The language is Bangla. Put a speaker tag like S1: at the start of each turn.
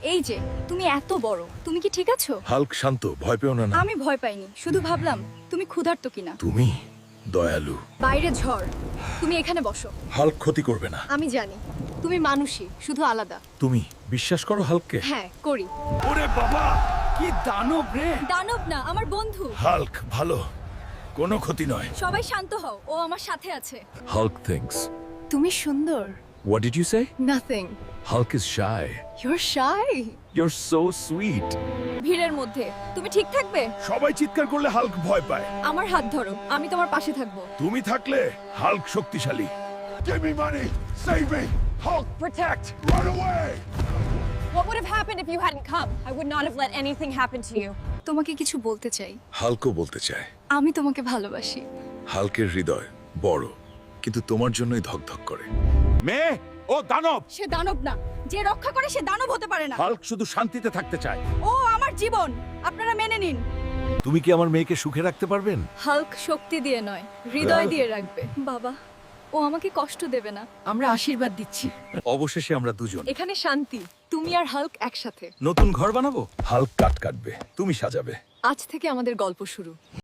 S1: এই যে তুমি এত বড়, তুমি কি ঠিক আছো?
S2: হাল্ক শান্ত, ভয় পেও না।
S1: আমি ভয় পাইনি, শুধু ভাবলাম তুমি ক্ষুধার্ত কিনা।
S2: তুমি দয়ালু।
S1: বাইরে ঝড়, তুমি এখানে বসো।
S2: হাল্ক ক্ষতি করবে না।
S1: আমি জানি তুমি মানুষই, শুধু আলাদা।
S2: তুমি বিশ্বাস করো হাল্ককে?
S1: হ্যাঁ করি।
S2: ওরে বাবা, কি দানব রে!
S1: দানব না, আমার বন্ধু।
S2: হাল্ক ভালো, কোনো ক্ষতি নয়।
S1: সবাই শান্ত হও, ও আমার সাথে আছে।
S2: Hulk thinks.
S1: তুমি সুন্দর।
S2: What did you say?
S1: Nothing.
S2: Hulk is shy.
S1: You're shy.
S2: You're so sweet.
S1: ভিড়ের মধ্যে তুমি ঠিক থাকবে?
S2: সবাই চিৎকার করলে হাল্ক ভয় পায়।
S1: আমার হাত ধরো, আমি তোমার পাশে থাকবো।
S2: তুমি থাকলে হাল্ক শক্তিশালী। Give me money. Save me. Hulk,
S3: Protect.
S2: run away.
S3: What would have happened if you hadn't come? I would not have let anything happen to you.
S1: তোমাকে কিছু বলতে চাই।
S2: হাল্কও বলতে চায়।
S1: আমি তোমাকে ভালোবাসি।
S2: হাল্কের হৃদয় বড়, কিন্তু তোমার জন্যই ধকধক করে। মেয়ে, ও দানব।
S1: সে দানব না, যে রক্ষা করে সে দানব হতে পারে না।
S2: হাল্ক শুধু শান্তিতে থাকতে চায়।
S1: ও আমার জীবন, আপনারা মেনে নিন।
S2: তুমি কি আমার মেয়েকে সুখে রাখতে পারবেন?
S1: হাল্ক শক্তি দিয়ে নয়, হৃদয় দিয়ে রাখবে। বাবা, ও আমাকে কষ্ট দেবে না। আমরা আশীর্বাদ দিচ্ছি।
S2: অবশেষে আমরা দুজন
S1: এখানে শান্তি, তুমি আর হাল্ক একসাথে।
S2: নতুন ঘর বানাবো। হাল্ক কাটবে, তুমি সাজাবে।
S1: আজ থেকে আমাদের গল্প শুরু।